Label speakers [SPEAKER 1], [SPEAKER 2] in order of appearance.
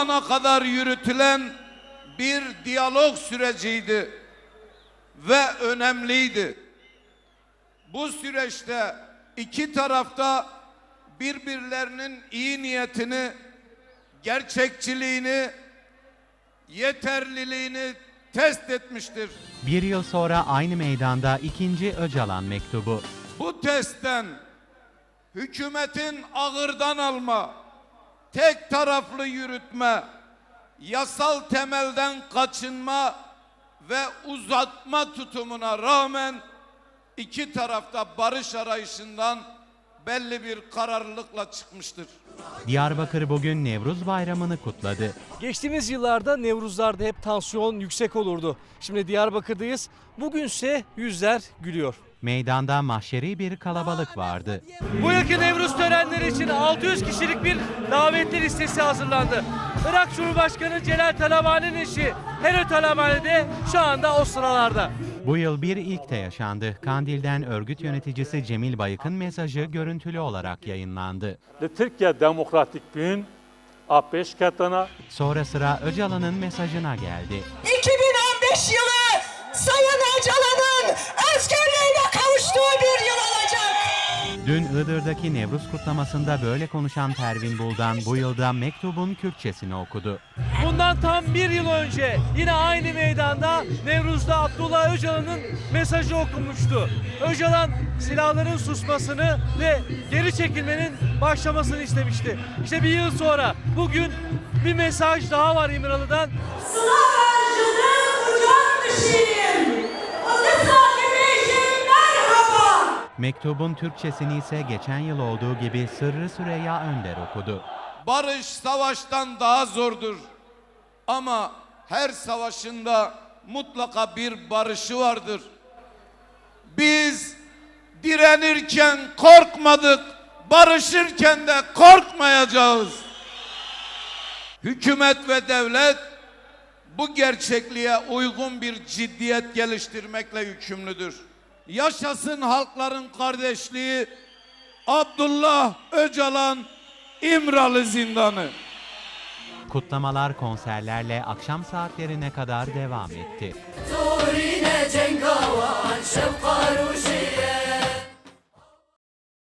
[SPEAKER 1] ana kadar yürütülen bir diyalog süreciydi ve önemliydi. Bu süreçte iki tarafta birbirlerinin iyi niyetini, gerçekçiliğini, yeterliliğini test etmiştir.
[SPEAKER 2] Bir yıl sonra aynı meydanda ikinci Öcalan mektubu.
[SPEAKER 1] Bu testten hükümetin ağırdan alma, tek taraflı yürütme, yasal temelden kaçınma ve uzatma tutumuna rağmen iki tarafta barış arayışından belli bir kararlılıkla çıkmıştır.
[SPEAKER 2] Diyarbakır bugün Nevruz Bayramı'nı kutladı.
[SPEAKER 3] Geçtiğimiz yıllarda Nevruzlar'da hep tansiyon yüksek olurdu. Şimdi Diyarbakır'dayız. Bugünse yüzler gülüyor.
[SPEAKER 2] Meydanda mahşeri bir kalabalık vardı.
[SPEAKER 3] Bu yılki Nevruz törenleri için 600 kişilik bir davetli listesi hazırlandı. Irak Cumhurbaşkanı Celal Talabani'nin eşi Helal Talabani de şu anda o sıralarda.
[SPEAKER 2] Bu yıl bir ilk de yaşandı. Kandil'den örgüt yöneticisi Cemil Bayık'ın mesajı görüntülü olarak yayınlandı.
[SPEAKER 4] Türkiye Demokratik Gün A5 katına.
[SPEAKER 2] Sonra sıra Öcalan'ın mesajına geldi.
[SPEAKER 5] 2015 yılı Sayın Öcalan'ın özgürlüğüne kavuştuğu bir yıl olacak.
[SPEAKER 2] Dün Iğdır'daki Nevruz kutlamasında böyle konuşan Pervin Buldan bu yılda mektubun Kürtçesini okudu.
[SPEAKER 3] Bundan tam bir yıl önce yine aynı meydanda Nevruz'da Abdullah Öcalan'ın mesajı okunmuştu. Öcalan silahların susmasını ve geri çekilmenin başlamasını istemişti. İşte bir yıl sonra bugün bir mesaj daha var İmralı'dan.
[SPEAKER 5] Sıla harcının ucak düşeyim. Adı sahibiyim merhaba.
[SPEAKER 2] Mektubun Türkçesini ise geçen yıl olduğu gibi Sırrı Süreyya Önder okudu.
[SPEAKER 1] Barış savaştan daha zordur. Ama her savaşında mutlaka bir barışı vardır. Biz direnirken korkmadık, barışırken de korkmayacağız. Hükümet ve devlet bu gerçekliğe uygun bir ciddiyet geliştirmekle yükümlüdür. Yaşasın halkların kardeşliği, Abdullah Öcalan İmralı Zindanı.
[SPEAKER 2] Kutlamalar konserlerle akşam saatlerine kadar devam etti.